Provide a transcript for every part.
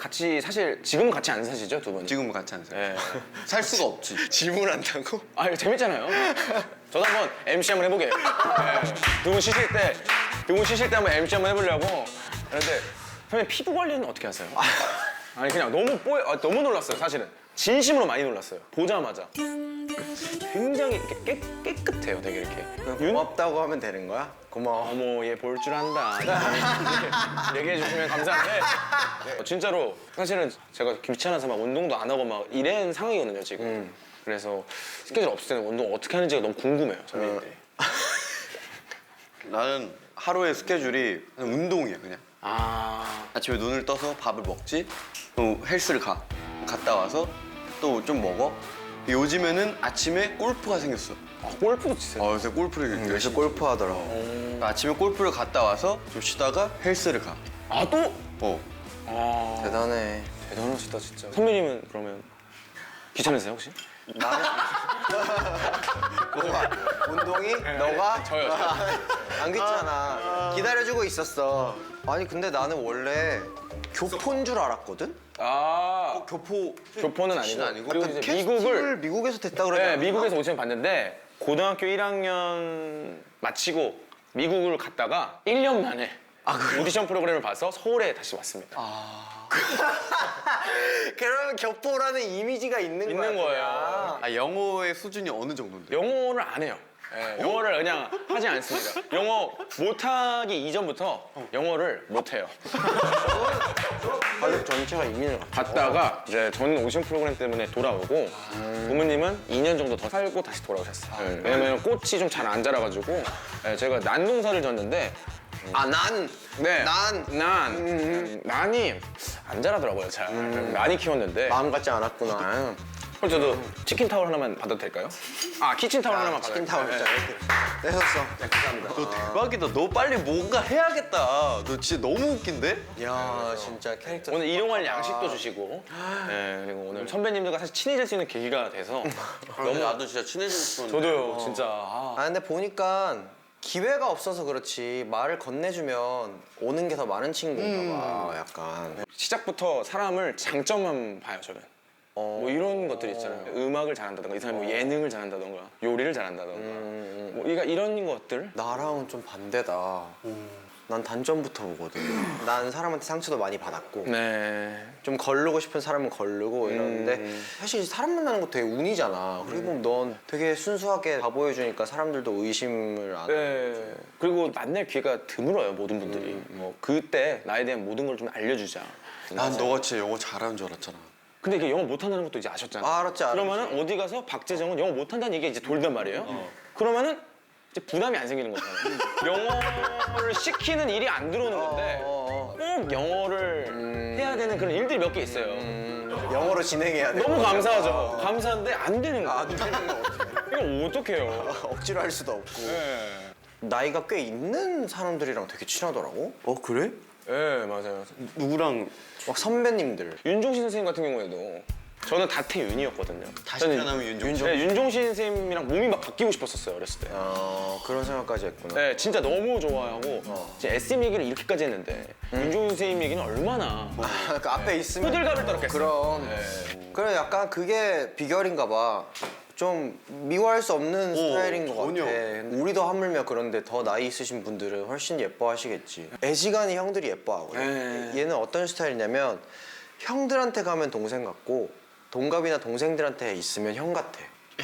같이 사실 지금은 같이 안 사시죠 두 분이? 지금은 같이 안 살아요. 네. 살 수가 없지. 질문한다고? 아 이거 재밌잖아요. 저도 한번 MC 한번 해보게요. 네. 두 분 쉬실 때 한번 MC 한번 해보려고. 그런데 선생님 피부 관리는 어떻게 하세요? 아니 그냥 너무 놀랐어요 사실은. 진심으로 많이 놀랐어요. 보자마자 굉장히 깨끗해요 되게 이렇게. 고맙다고 하면 되는 거야? 고마워. 어머 얘 볼 줄 안다 이렇게 얘기해 주시면 감사한데 진짜로 사실은 제가 귀찮아서 막 운동도 안 하고 막 이런 상황이거든요 지금. 그래서 스케줄 없을 때는 운동 어떻게 하는지가 너무 궁금해요 선배님들이. 나는 하루의 스케줄이 그냥 운동이야 그냥. 아 아침에 눈을 떠서 밥을 먹지, 또 헬스를 갔다 와서 또 좀 먹어. 요즘에는 아침에 골프가 생겼어. 골프도 치세요? 그래서 골프를 요새 열심히 골프 하더라고. 아침에 골프를 갔다 와서 좀 쉬다가 헬스를 가. 아 또? 어. 대단해. 대단하시다 진짜. 선배님은 그러면 귀찮으세요 혹시? 뭐가? 운동이? 너가? 저요. 안 귀찮아. 기다려주고 있었어. 아니 근데 나는 원래 교포인 줄 알았거든? 아 교포는 아니고 그리고 이제 캐스팅을 미국에서 됐다 그러잖아. 네, 미국에서 오디션 봤는데 고등학교 1학년 마치고 미국을 갔다가 1년 만에 오디션 프로그램을 봐서 서울에 다시 왔습니다. 그러면 교포라는 이미지가 있는 거예요. 아, 영어의 수준이 어느 정도인데? 영어를 안 해요. 네, 영어를 그냥 하지 않습니다. 영어 못하기 이전부터 영어를 못해요. 가족 전체가 이민을 갔다가 이제 저는 오디션 프로그램 때문에 돌아오고 부모님은 2년 정도 더 살고 다시 돌아오셨어요. 네, 왜냐면 꽃이 좀 잘 안 자라가지고 네, 제가 난농사를 졌는데 네. 난이 안 자라더라고요 잘. 많이 키웠는데 마음 같지 않았구나. 그럼 저도 치킨 타월 하나만 받아도 될까요? 아 키친 타월 하나만 받아도 치킨 타월 될까요? 있잖아. 이렇게 떼었어. 감사합니다. 너 대박이다. 너 빨리 뭔가 해야겠다. 너 진짜 너무 웃긴데? 야 진짜 캐릭터. 오늘 일용할 양식도 주시고 네, 그리고 오늘 선배님들과 사실 친해질 수 있는 계기가 돼서 너무 나도 진짜 친해지고 싶었는데. 저도요 진짜 아 근데 보니까 기회가 없어서 그렇지 말을 건네주면 오는 게 더 많은 친구인가 봐. 약간. 시작부터 사람을 장점만 봐요 저는. 뭐 이런 것들 있잖아요. 음악을 잘한다던가 이 사람이 뭐 예능을 잘한다던가 요리를 잘한다던가 뭐 이런 것들. 나랑은 좀 반대다. 난 단점부터 보거든. 난 사람한테 상처도 많이 받았고 네. 좀 걸르고 싶은 사람은 걸르고 이러는데 사실 사람 만나는 거 되게 운이잖아. 그리고 넌 되게 순수하게 다 보여주니까 사람들도 의심을 안 하고. 네. 그리고 만날 기회가 드물어요 모든 분들이. 뭐 그때 나에 대한 모든 걸 좀 알려주자. 난 너가 진짜 영어 잘하는 줄 알았잖아. 근데 이게 영어 못한다는 것도 이제 아셨잖아요. 알았지. 그러면은 어디 가서 박재정은 영어 못한다는 얘기가 이제 돌단 말이에요. 그러면은 이제 부담이 안 생기는 거잖아요. 영어를 시키는 일이 안 들어오는 건데 꼭 영어를 해야 되는 그런 일들이 몇 개 있어요. 영어로 진행해야 돼. 너무 감사하죠. 감사한데 안 되는 거예요. 안 되는 거 어떡해. 이거 어떡해요. 억지로 할 수도 없고. 네. 나이가 꽤 있는 사람들이랑 되게 친하더라고. 그래? 네 맞아요. 누구랑 막 선배님들. 윤종신 선생님 같은 경우에도 저는 다태윤이었거든요. 다시 태어나면 윤종신? 네, 윤종신 선생님이랑 몸이 막 바뀌고 싶었었어요 어렸을 때. 그런 생각까지 했구나. 네, 진짜 너무 좋아하고 이제 SM 얘기를 이렇게까지 했는데 윤종신 선생님 얘기는 얼마나 그 앞에 있으면 호들갑을 떨었겠어요. 그럼. 그래 약간 그게 비결인가 봐. 좀 미워할 수 없는 스타일인 것 전혀. 같아. 우리도 하물며 그런데 더 나이 있으신 분들은 훨씬 예뻐하시겠지. 애지간히 형들이 예뻐하거든. 네. 얘는 어떤 스타일이냐면 형들한테 가면 동생 같고 동갑이나 동생들한테 있으면 형 같아.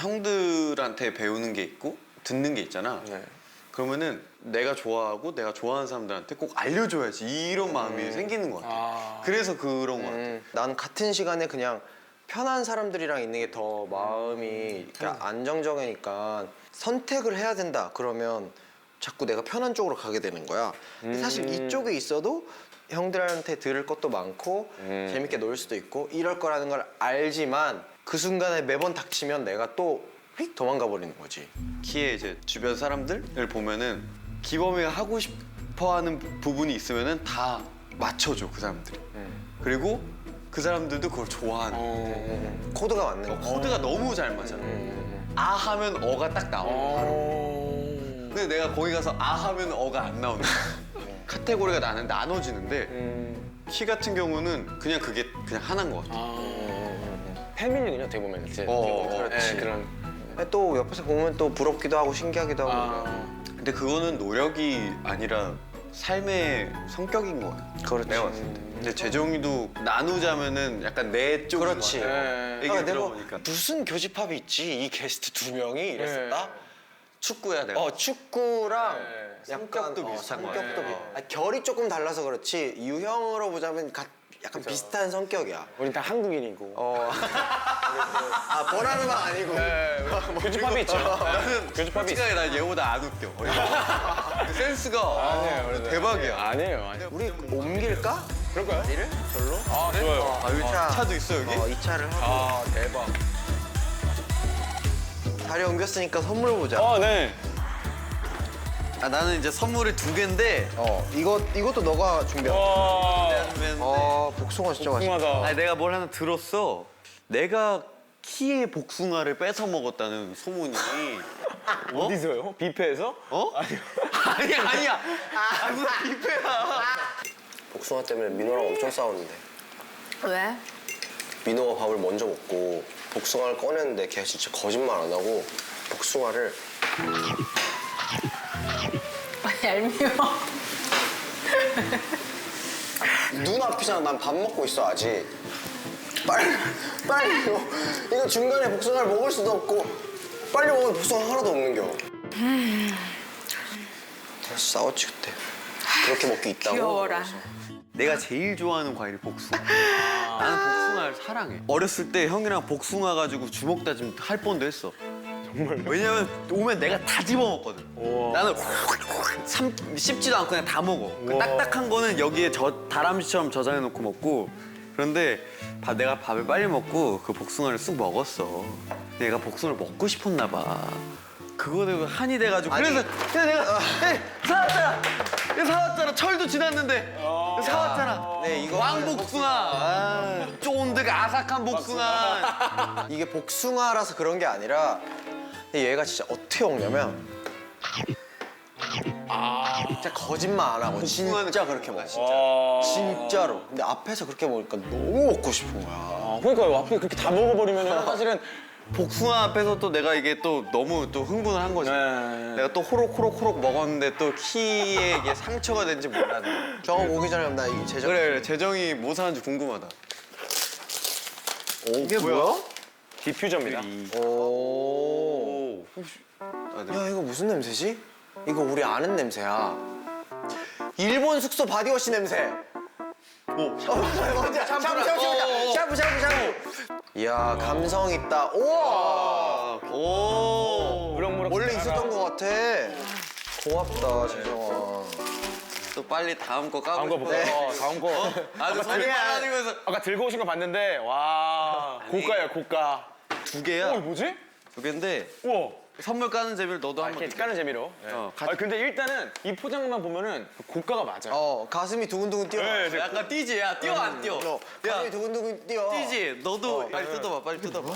형들한테 배우는 게 있고 듣는 게 있잖아. 네. 그러면은 내가 좋아하고 내가 좋아하는 사람들한테 꼭 알려줘야지 이런 마음이 생기는 것 같아. 그래서 그런 것 같아. 난 같은 시간에 그냥 편한 사람들이랑 있는 게 더 마음이 그러니까 안정적이니까 선택을 해야 된다 그러면 자꾸 내가 편한 쪽으로 가게 되는 거야. 근데 사실 이쪽에 있어도 형들한테 들을 것도 많고 재밌게 놀 수도 있고 이럴 거라는 걸 알지만 그 순간에 매번 닥치면 내가 또 휙 도망가 버리는 거지. 키에 이제 주변 사람들을 보면은 기범이가 하고 싶어하는 부분이 있으면은 다 맞춰줘 그 사람들이. 그리고 그 사람들도 그걸 좋아하는. 코드가 맞는 거. 코드가 너무 잘 맞아. 아 하면 어가 딱 나와. 근데 내가 거기 가서 아 하면 어가 안 나오는 거야. 카테고리가 나는 나눠지는데 키 같은 경우는 그냥 그게 그냥 하나인 것 같아. 패밀리군요, 되게 보면 이제. 그렇지. 그런. 또 옆에서 보면 또 부럽기도 하고 신기하기도 하고. 아, 근데 그거는 노력이 아니라 삶의 성격인 거야. 그렇지. 내가 봤을 때. 근데 재정이도 나누자면은 약간 내 쪽인 그렇지. 것 같아. 네. 얘기 내가 들어보니까. 무슨 교집합이 있지 이 게스트 2명이 이랬었다. 축구야 내가. 축구랑 네. 약간 성격도 비슷한 거 성격도 같아. 결이 조금 달라서 그렇지 유형으로 보자면 약간 비슷한 성격이야. 우린 다 한국인이고. 보라르만 아니고. 교집합이 있죠. 교집합이 있어. 솔직하게 난 얘보다 안 웃겨. 그 센스가 대박이야. 아니에요. 우리 옮길까? 그럴까요? 자리를? 절로? 아, 좋아요. 아, 여기 자. 차도 있어 여기? 이 차를 하고 아, 대박. 자리 옮겼으니까 선물 보자. 아, 네. 아, 나는 이제 선물이 2개인데 이것도 너가 준비한. 와, 복숭아 진짜 맛있어. 궁금하다. 아니 내가 뭘 하나 들었어. 내가 키의 복숭아를 뺏어 먹었다는 소문이. 어디서요? 뷔페에서? 어? 아니야. 아, 무슨 뷔페야. 복숭아 때문에 민호랑 엄청 싸웠는데. 왜? 민호가 밥을 먼저 먹고 복숭아를 꺼냈는데 걔가 진짜 거짓말 안 하고 복숭아를 얄미워. 눈 앞이잖아. 난 밥 먹고 있어 아직. 빨리 이거 중간에 복숭아를 먹을 수도 없고 빨리 먹으면 복숭아 하나도 없는겨. 그래서 싸웠지 그때. 그렇게 먹기 있다고. 귀여워라. 내가 제일 좋아하는 과일이 복숭아. 나는 복숭아를 사랑해. 어렸을 때 형이랑 복숭아 가지고 주먹 다짐 할 뻔도 했어. 정말. 왜냐면 오면 내가 다 집어 먹거든. 나는 씹지도 않고 그냥 다 먹어. 그 딱딱한 거는 여기에 다람쥐처럼 저장해 놓고 먹고. 그런데 내가 밥을 빨리 먹고 그 복숭아를 쑥 먹었어. 내가 복숭아를 먹고 싶었나 봐. 그거 되고 한이 돼가지고 아니. 그래서 내가 사왔잖아. 이거 사왔잖아. 철도 지났는데 이거 사왔잖아. 네, 이거 왕복숭아. 쫀득 아삭한 복숭아. 이게 복숭아라서 그런 게 아니라 얘가 진짜 어떻게 먹냐면 진짜 거짓말 안 하고 복숭아는 진짜 그렇게 먹어. 진짜로. 근데 앞에서 그렇게 먹으니까 너무 먹고 싶은 거야. 아, 그러니까요. 앞에 그렇게 다 먹어버리면 사실은. 복숭아 앞에서 또 내가 이게 또 너무 또 흥분을 한 거지. 네. 내가 또 호록호록 먹었는데 또 키에 이게 상처가 된지 몰랐네. 저거 오기 전에 나 이 제작. 그래 재정이 뭐 사는지 궁금하다. 이게 뭐야? 디퓨저입니다. 오. 아, 네. 야 이거 무슨 냄새지? 이거 우리 아는 냄새야. 일본 숙소 바디워시 냄새. 어디야? 샴푸. 이야 감성 있다. 우와. 오. 무럭무럭. 원래 있었던 것 같아. 고맙다 재정아. 또 빨리 다음 거 다음 까고 거 싶어. 볼까요? 다음 거. 아주 손이 많아지면서 아까 들고 오신 거 봤는데, 와. 고가예요, 고가. 2개야. 뭐지? 2개인데 우와. 선물 까는 재미를 너도 한번. 이렇게 까는 재미로. 근데 일단은 이 포장만 보면은 고가가 맞아요. 가슴이 두근두근 뛰어. 네, 약간 뛰지? 야 뛰어 안 뛰어? 가슴이 두근두근 뛰어. 뛰지? 너도 빨리 뜯어봐 빨리 뜯어봐.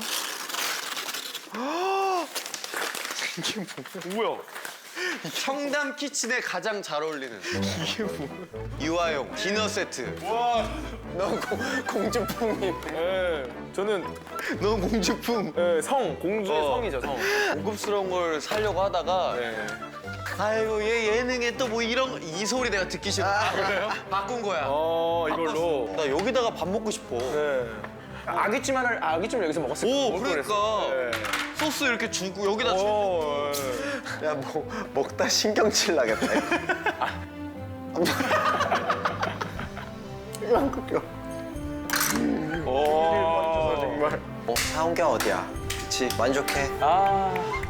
뭐야? 청담 키친에 가장 잘 어울리는 이게 뭐야? 유아용 디너 세트. 너 공주풍이. 네, 저는 넌 공주품. 네, 공주의 성이죠, 성. 고급스러운 걸 사려고 하다가 네. 아이고 얘 예능에 또 뭐 이런 이 소리 내가 듣기 싫어. 그래요? 바꾼 거야. 이걸로. 나 여기다가 밥 먹고 싶어. 네. 아기찜을 여기서 먹었을 오 걸 그러니까 그랬어요. 소스 이렇게 주고 여기다 주. 야 먹다 신경질 나겠다. 이거 안 꺾여. 오. 정말. 사온 게 어디야? 그치 만족해. 아.